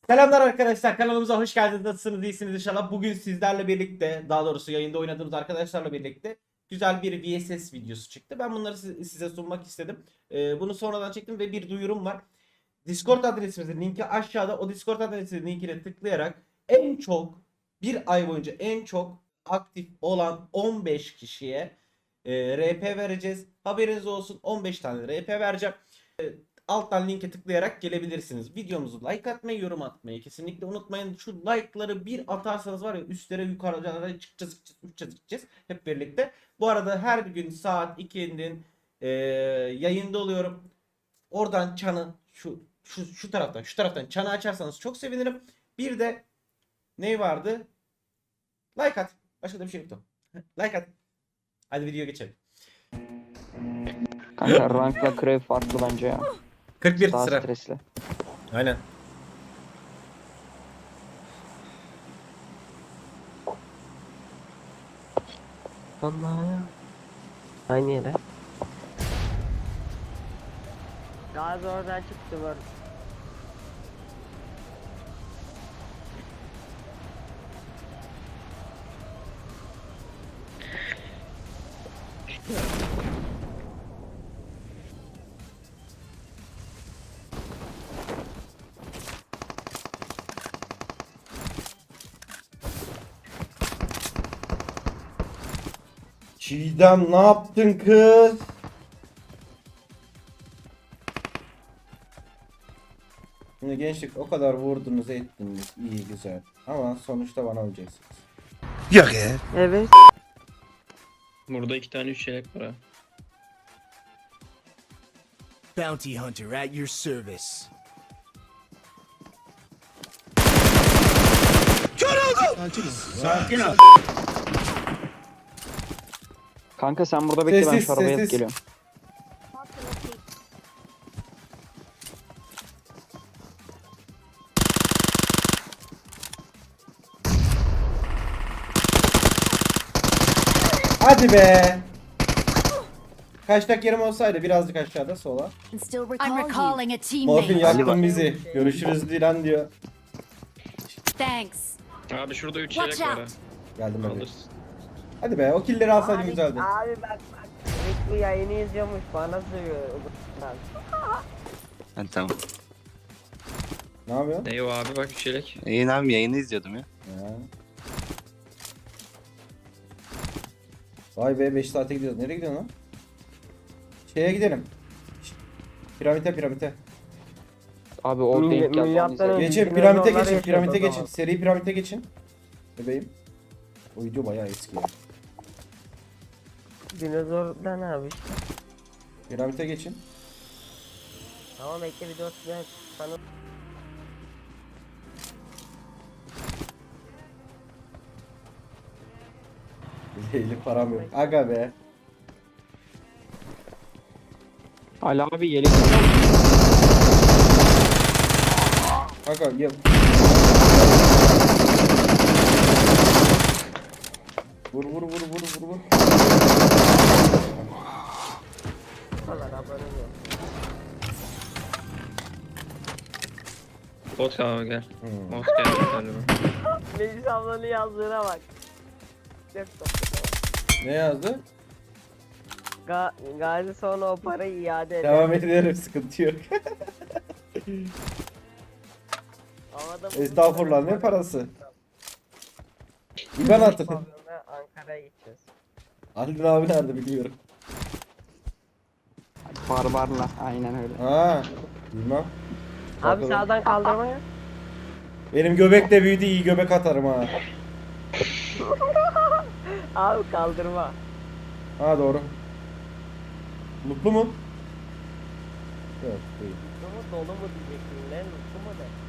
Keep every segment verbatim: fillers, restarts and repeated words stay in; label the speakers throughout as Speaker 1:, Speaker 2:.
Speaker 1: Selamlar arkadaşlar, kanalımıza hoş geldiniz. Nasılsınız? İyisiniz inşallah. Bugün sizlerle birlikte, daha doğrusu yayında oynadığımız arkadaşlarla birlikte güzel bir V S S videosu çıktı. Ben bunları size sunmak istedim. Ee, bunu sonradan çektim ve bir duyurum var. Discord adresimizin linki aşağıda. O Discord adresinin linkine tıklayarak en çok bir ay boyunca en çok aktif olan on beş kişiye e, R P vereceğiz. Haberiniz olsun, on beş tane R P vereceğim. Alttan linke tıklayarak gelebilirsiniz. Videomuzu like atmayı, yorum atmayı kesinlikle unutmayın. Şu like'ları bir atarsanız var ya, üstlere yukarılara çıkacağız, çıkacağız, uçacağız, gideceğiz hep birlikte. Bu arada her gün saat ikinin e, yayında oluyorum. Oradan çanı şu şu şu taraftan şu taraftan çanı açarsanız çok sevinirim. Bir de ne vardı? Like at. Başka da bir şey yoktu. Like at. Hadi video geçelim.
Speaker 2: Kanka rankla krev farklı bence ya.
Speaker 1: kırk bir
Speaker 2: Daha
Speaker 1: sıra.
Speaker 2: stresli.
Speaker 1: Aynen.
Speaker 3: Allah. Aynı yere. Gazi oradan çıktı var.
Speaker 1: Çiğdem ne yaptın kız? Şimdi gençlik o kadar vurdunuz ettiniz iyi güzel ama sonuçta bana olacaksınız.
Speaker 4: Yok ya.
Speaker 3: Evet.
Speaker 5: Burada iki tane üç çeyrek var ha.
Speaker 4: Bounty hunter at your service. Sakin ol.
Speaker 2: Kanka sen burada bekle, ben
Speaker 1: Sessiz,
Speaker 2: şu arabaya
Speaker 1: sessiz.
Speaker 2: alıp geliyorum.
Speaker 1: Hadi be. Kaçtak yerim olsaydı birazcık aşağıda sola.
Speaker 6: I'm recalling a
Speaker 1: Morfin
Speaker 6: teammate.
Speaker 1: yaktın bizi. Görüşürüz Dilan diyor.
Speaker 6: Thanks.
Speaker 5: Abi şurada üç
Speaker 6: Watch
Speaker 5: çeyrek var ha.
Speaker 6: out.
Speaker 1: Geldim hadi.
Speaker 5: Alırsın.
Speaker 1: Hadi be o killleri alsaydın
Speaker 3: Abi,
Speaker 1: güzeldi.
Speaker 3: abi bak bak. Rick bu yayını izliyormuş bana söylüyor.
Speaker 7: Ha, tamam.
Speaker 1: Ne yapıyorsun?
Speaker 5: Ne o abi bak üç çeyrek.
Speaker 7: İyi abi, yayını izliyordum ya.
Speaker 1: Ya. Vay be beş saate gidiyoruz. Nereye gidiyorsun lan? Şeye gidelim. Şşt. Piramite piramite.
Speaker 2: Abi o
Speaker 3: Milli-
Speaker 2: denk geldi. onu
Speaker 3: milyattan
Speaker 2: izledim.
Speaker 3: önce-
Speaker 1: Geçin
Speaker 3: Bizim
Speaker 1: piramite
Speaker 3: onlar
Speaker 1: geçin
Speaker 3: yaşıyor
Speaker 1: piramite
Speaker 3: o zaman.
Speaker 1: geçin. Seri piramite geçin. Bebeğim. O video bayağı eski ya.
Speaker 3: Dinozordan abi.
Speaker 1: Piramite geçin.
Speaker 3: Tamam bekle bir dört ben sana.
Speaker 1: Leyli param yok. Aga be.
Speaker 2: Ali abi yelek.
Speaker 1: Aga yap. Vur vur vur vur vur vur.
Speaker 3: Valla abone ol.
Speaker 5: Bot abi gel.
Speaker 1: Hmm.
Speaker 5: Bot gel galiba.
Speaker 3: Meclis ablanın yazdığına bak. Yok, yok.
Speaker 1: Ne yazdı?
Speaker 3: Ga Gazi sonra o parayı iade eder.
Speaker 1: Devam ederim sıkıntı yok.
Speaker 3: Havada bulmuş
Speaker 1: Estağfurullah
Speaker 3: parayı.
Speaker 1: ne parası? İban atın.
Speaker 3: Pavyona Ankara'ya gideceğiz.
Speaker 1: Aldın abi nerede bilmiyorum.
Speaker 2: Barbarla. Aynen öyle.
Speaker 1: Ha, bilmem.
Speaker 3: Abi
Speaker 1: Bakalım.
Speaker 3: sağdan kaldırmaya.
Speaker 1: Benim göbek de büyüdü, iyi göbek atarım ha.
Speaker 3: Abi kaldırma.
Speaker 1: Ha doğru. Mutlu mu? Yok değil.
Speaker 3: Mutlu mu dolu mu diyeceksin lan, mutlu mu de.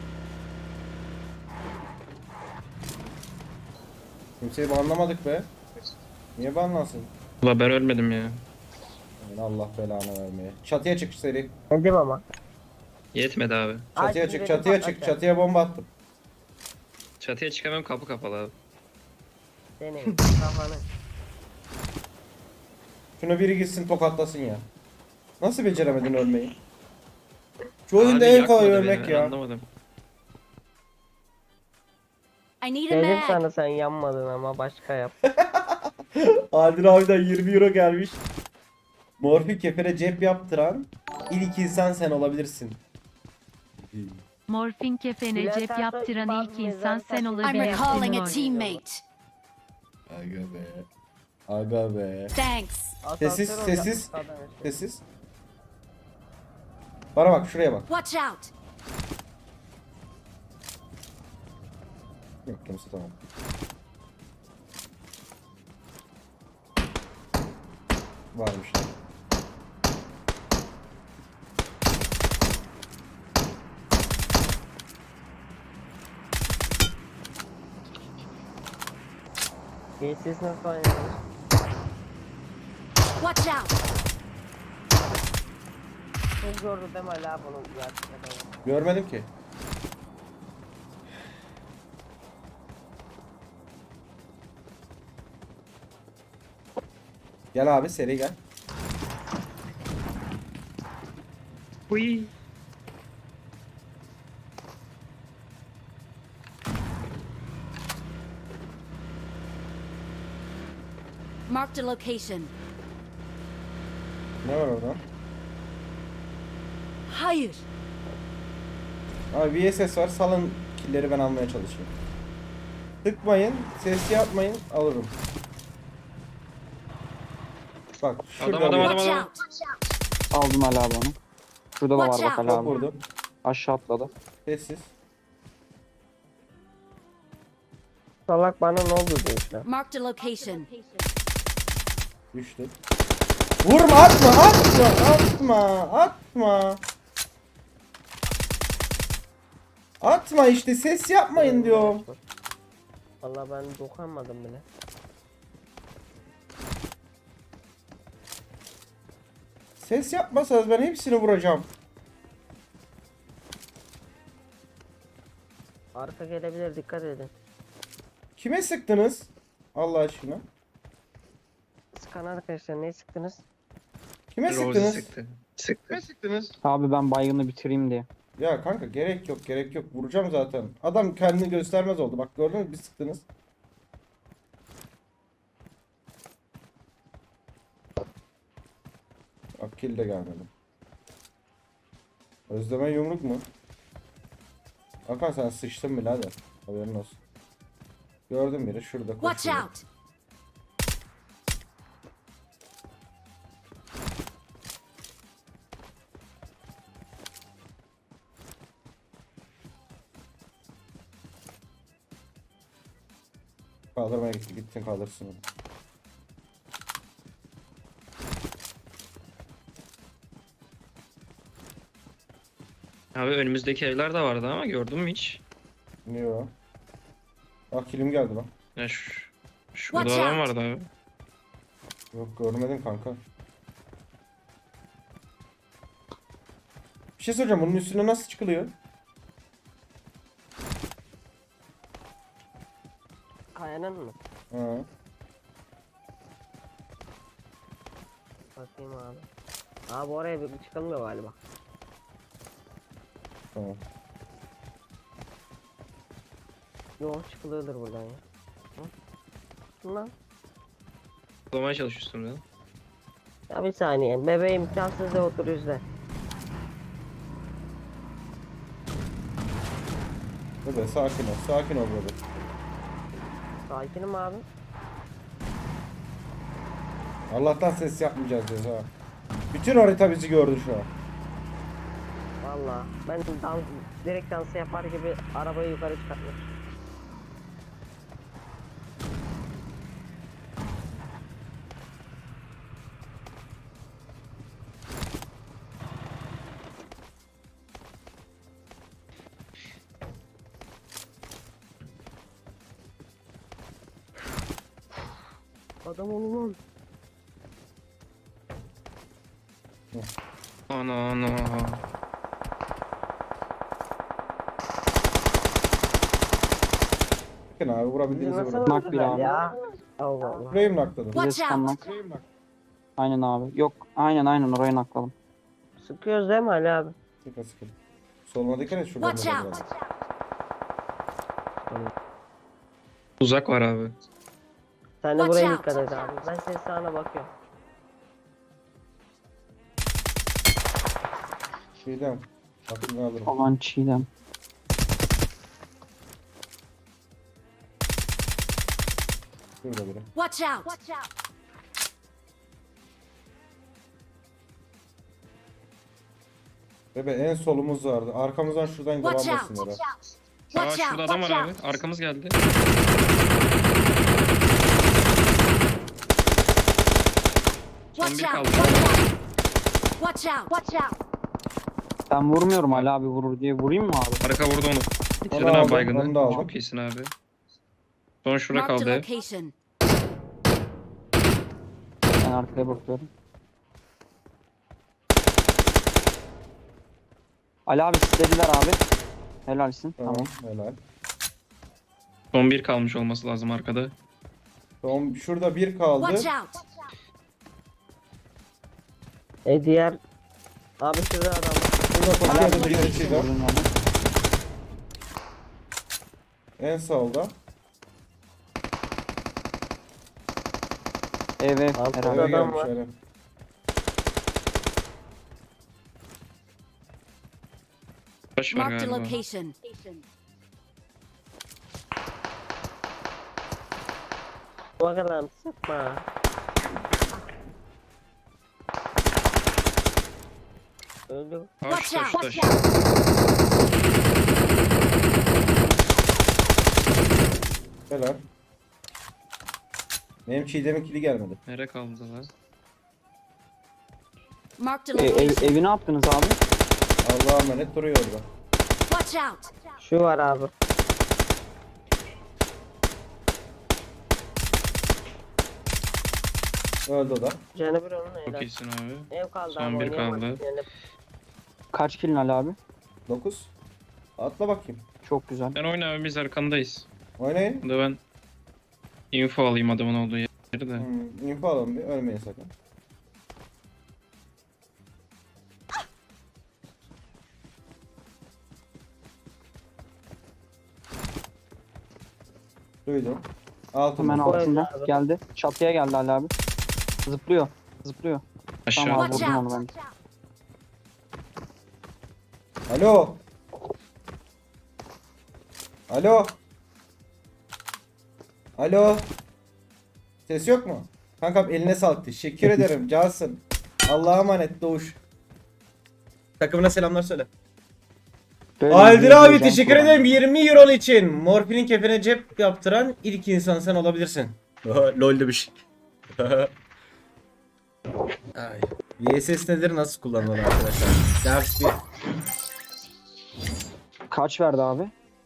Speaker 1: Kimseyi banlamadık be. Niye banlansın?
Speaker 5: Ulan ben ölmedim ya.
Speaker 1: Yani Allah belanı vermeye. Çatıya çık seri.
Speaker 3: Dedim ama.
Speaker 5: Yetmedi abi.
Speaker 1: Çatıya
Speaker 3: Ay,
Speaker 1: çık,
Speaker 3: dedim
Speaker 1: çatıya
Speaker 3: patlat
Speaker 1: çık.
Speaker 3: ya.
Speaker 1: Çatıya bomba attım.
Speaker 5: Çatıya çıkamam, kapı kapalı abi.
Speaker 3: Senin kafanı.
Speaker 1: Şunu biri gitsin tokatlasın ya. Nasıl beceremedin ölmeyi? Şu oyunda
Speaker 5: Abi
Speaker 1: en
Speaker 5: yakmadı
Speaker 1: kolay
Speaker 5: beni,
Speaker 1: ölmek
Speaker 5: ben
Speaker 1: ya.
Speaker 5: Anlamadım.
Speaker 6: I need a
Speaker 3: Dedim
Speaker 6: mag.
Speaker 3: sana sen yanmadın ama başka yap.
Speaker 1: Adil abiden yirmi euro gelmiş. Morfi kefere cep yaptıran ilk insan sen olabilirsin.
Speaker 7: Morfin kefene
Speaker 3: Bülent
Speaker 7: cep
Speaker 3: Ersoy
Speaker 7: yaptıran
Speaker 3: bazı
Speaker 7: ilk insan
Speaker 3: mezar
Speaker 7: sen
Speaker 3: taşı-
Speaker 6: I'm
Speaker 7: olabilirsin.
Speaker 6: recalling a
Speaker 7: Mor.
Speaker 6: teammate.
Speaker 1: Aga be. Aga be.
Speaker 6: Thanks.
Speaker 1: Sessiz,
Speaker 3: Asansör
Speaker 1: sessiz.
Speaker 3: olacak kadın işte.
Speaker 1: Sessiz. Bana bak, şuraya bak.
Speaker 6: Watch out.
Speaker 1: Yok kimse, tamam. Varmış.
Speaker 3: Siz nasıl oynadınız?
Speaker 6: Watch out.
Speaker 3: Çok gördü değil mi hala bunu gerçekten?
Speaker 1: Görmedim ki. Gel abi, seri gel.
Speaker 5: Uy.
Speaker 6: Marked a location.
Speaker 1: Ne var orada?
Speaker 6: Hayır.
Speaker 1: Abi V S S var, salın killeri ben almaya çalışıyorum. Tıkmayın, ses yapmayın, alırım. Bak şurada
Speaker 5: Adam, adam,
Speaker 1: bir-
Speaker 5: adam.
Speaker 6: Watch out.
Speaker 2: Aldım Ali abi onu. Şurada da var
Speaker 6: Watch
Speaker 2: bak
Speaker 6: out.
Speaker 2: Ali
Speaker 1: Çok
Speaker 2: abi.
Speaker 1: vurdum.
Speaker 2: Aşağı atladı.
Speaker 1: Sessiz.
Speaker 3: Salak bana ne oldu diyor işte.
Speaker 6: Marked a location.
Speaker 1: Düştü. Vurma, atma, atma, atma, atma. Atma işte, ses yapmayın diyorum.
Speaker 3: Valla ben dokunmadım bile.
Speaker 1: Ses yapmasanız ben hepsini vuracağım.
Speaker 3: Arka gelebilir, dikkat edin.
Speaker 1: Kime sıktınız? Allah aşkına.
Speaker 3: Sıkan arkadaşlar ne sıktınız?
Speaker 1: Kime
Speaker 5: Rosie
Speaker 1: sıktınız?
Speaker 5: sıktı. Sıktı.
Speaker 2: Abi ben baygını bitireyim diye.
Speaker 1: Ya kanka gerek yok, gerek yok. Vuracağım zaten. Adam kendini göstermez oldu. Bak gördün mü, bir sıktınız. Bak kill de gelmedi. Özleme yumruk mu? Hakan sen sıçtın birader. Haberin olsun. Gördüm biri şurada
Speaker 6: Watch
Speaker 1: koşuyor.
Speaker 6: out.
Speaker 1: Kaldırmaya gitti. Gittin kaldırsın onu.
Speaker 5: Abi önümüzdeki evler de vardı ama gördün mü hiç?
Speaker 1: Niye o? Bak killim geldi lan.
Speaker 5: Ya şu, şu
Speaker 6: Watch
Speaker 5: burada adam
Speaker 6: out.
Speaker 5: vardı abi.
Speaker 1: Yok görmedim kanka. Bir şey soracağım, bunun üstüne nasıl çıkılıyor?
Speaker 3: Kayanın mı?
Speaker 1: Ha.
Speaker 3: Bakayım abi. Abi oraya bir çıkılmıyor galiba.
Speaker 1: Tamam.
Speaker 3: Yok çıkılıyordur buradan ya. Hı? Lan.
Speaker 5: Bulamaya çalışıyorsun ya.
Speaker 3: Ya bir saniye. Bebeğim imkansız da otur yüzde.
Speaker 1: Bebe sakin ol. Sakin ol bebe.
Speaker 3: Sakinim abi.
Speaker 1: Allah'tan ses yapmayacağız diyoruz ha. Bütün harita bizi gördü şu an.
Speaker 3: Valla ben dans, direkt dansı yapar gibi arabayı yukarı çıkartmış. Adam olun lan.
Speaker 5: Ana ana.
Speaker 1: Bakın abi, vurabildiğinizi
Speaker 3: Nasıl
Speaker 1: vurun.
Speaker 2: Nak bir
Speaker 3: öldüler
Speaker 2: abi.
Speaker 3: ya? Allah Allah.
Speaker 1: Burayı mı nakladım?
Speaker 2: Bize
Speaker 6: Watch
Speaker 2: sıkan
Speaker 6: out.
Speaker 2: nak. Aynen abi. Yok aynen aynen oraya nakladım.
Speaker 3: Sıkıyoruz değil mi Ali abi?
Speaker 1: Sıkın sıkın. Soluna dikkat et, şuradan
Speaker 6: Watch
Speaker 1: da
Speaker 6: out.
Speaker 1: var.
Speaker 5: Uzak var abi.
Speaker 3: Sen de
Speaker 6: Watch
Speaker 3: buraya
Speaker 6: out.
Speaker 3: dikkat et abi. Ben senin sağına bakıyorum.
Speaker 1: Şeyden. Aklını alırım.
Speaker 2: Aman Çiğdem.
Speaker 1: Şurada biri.
Speaker 6: Watch out!
Speaker 1: Bebe en solumuz vardı. Arkamızdan şuradan
Speaker 6: Watch
Speaker 1: devam
Speaker 6: out!
Speaker 1: etsinler. ha.
Speaker 5: Aa
Speaker 6: Watch out!
Speaker 5: şurada adam var
Speaker 6: Watch
Speaker 5: abi.
Speaker 6: out!
Speaker 5: Arkamız geldi. Son
Speaker 6: Watch
Speaker 5: bir
Speaker 6: out!
Speaker 5: kaldı.
Speaker 6: Watch out! Watch out!
Speaker 2: Ben vurmuyorum Ali abi vurur diye. Vurayım mı abi?
Speaker 5: Arka vurdu onu. Bitirdin
Speaker 1: aldım,
Speaker 5: abi
Speaker 1: onu da
Speaker 5: baygını.
Speaker 1: aldım.
Speaker 5: Çok iyisin abi. Son şura
Speaker 6: Marked a
Speaker 5: kaldı.
Speaker 6: location.
Speaker 2: Ben arkaya bakıyorum. Ali abi istediler abi. Helalsin.
Speaker 1: Tamam,
Speaker 2: Tamam.
Speaker 1: helal.
Speaker 5: Son bir kalmış olması lazım arkada.
Speaker 1: Son şurada bir kaldı.
Speaker 6: Watch out!
Speaker 3: E diğer... Abi şurada adam var.
Speaker 1: Burada
Speaker 2: Ali abi
Speaker 1: koşuyordu bir kişi de.
Speaker 2: vurdun yani.
Speaker 1: En solda.
Speaker 2: Ev ev.
Speaker 3: Altı
Speaker 2: Herhalde.
Speaker 1: Eve
Speaker 3: adam
Speaker 1: gelmiş
Speaker 3: var.
Speaker 1: öyle.
Speaker 5: Taş var
Speaker 6: Marked a
Speaker 5: galiba.
Speaker 6: location.
Speaker 3: Bakalım sıkma. Öldü.
Speaker 5: Taş
Speaker 6: Watch
Speaker 5: taş
Speaker 6: out!
Speaker 5: taş.
Speaker 1: Helal. Benim Çiğdem'in kili gelmedi.
Speaker 5: Nereye kaldı lan?
Speaker 6: Marked a
Speaker 2: E, ev,
Speaker 6: location.
Speaker 2: evi ne yaptınız abi?
Speaker 1: Allah'a emanet duruyor orada.
Speaker 6: Watch out!
Speaker 3: Şu var abi.
Speaker 1: Öldü o da.
Speaker 3: Canı bir onun
Speaker 5: Çok
Speaker 3: helal.
Speaker 5: iyisin abi.
Speaker 3: Ev kaldı
Speaker 5: Son
Speaker 3: abi.
Speaker 5: bir
Speaker 3: oynayamadık
Speaker 5: kaldı.
Speaker 3: yani.
Speaker 2: Kaç kilin Ali abi?
Speaker 1: dokuz. Atla bakayım.
Speaker 2: Çok güzel.
Speaker 5: Ben oyna abi biz arkandayız.
Speaker 1: Oynayın.
Speaker 5: Burada ben info alayım adamın olduğu yeri de.
Speaker 1: Hmm, info alalım bir. Ölmeyin sakın. Duydum. Altında.
Speaker 2: Hemen
Speaker 3: Koy
Speaker 2: altında.
Speaker 3: abi.
Speaker 2: Geldi. Çatıya geldi Ali abi. Zıplıyor. Zıplıyor.
Speaker 5: Aşağı.
Speaker 2: Tamam abi
Speaker 6: Watch
Speaker 2: vurdum onu
Speaker 6: out!
Speaker 2: ben.
Speaker 1: Alo. Alo. Alo. Ses yok mu? Kankam eline sağlık. Teşekkür ederim. Cansın. Allah'a emanet Doğuş. Takımına selamlar söyle.
Speaker 2: Böyle
Speaker 1: Aldir
Speaker 2: bir
Speaker 1: abi
Speaker 2: heyecan
Speaker 1: teşekkür
Speaker 2: kuran.
Speaker 1: ederim yirmi euro için. Morfinin kefene cep yaptıran ilk insan sen olabilirsin. Lol'de bir şey. Ay. V S S nedir nasıl kullanılır arkadaşlar? Ders bir.
Speaker 2: Kaç verdi abi?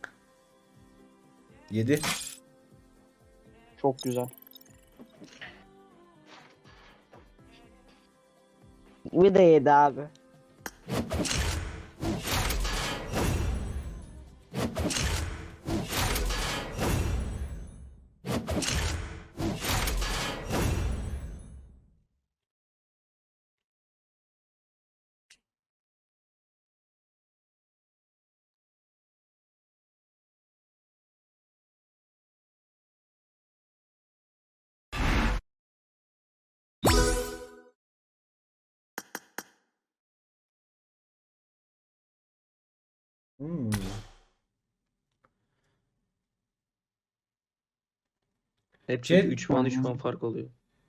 Speaker 1: yedi.
Speaker 2: Çok güzel.
Speaker 3: Bir de yedi abi.
Speaker 1: Hmm.
Speaker 7: Hep
Speaker 1: Şey-
Speaker 7: çünkü üç puan üç puan fark oluyor.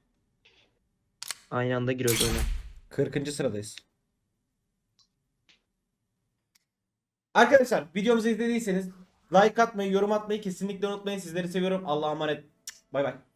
Speaker 7: Aynı anda giriyoruz öyle.
Speaker 1: kırkıncı sıradayız. Arkadaşlar videomuzu izlediyseniz like atmayı, yorum atmayı kesinlikle unutmayın. Sizleri seviyorum. Allah'a emanet. Bay bay.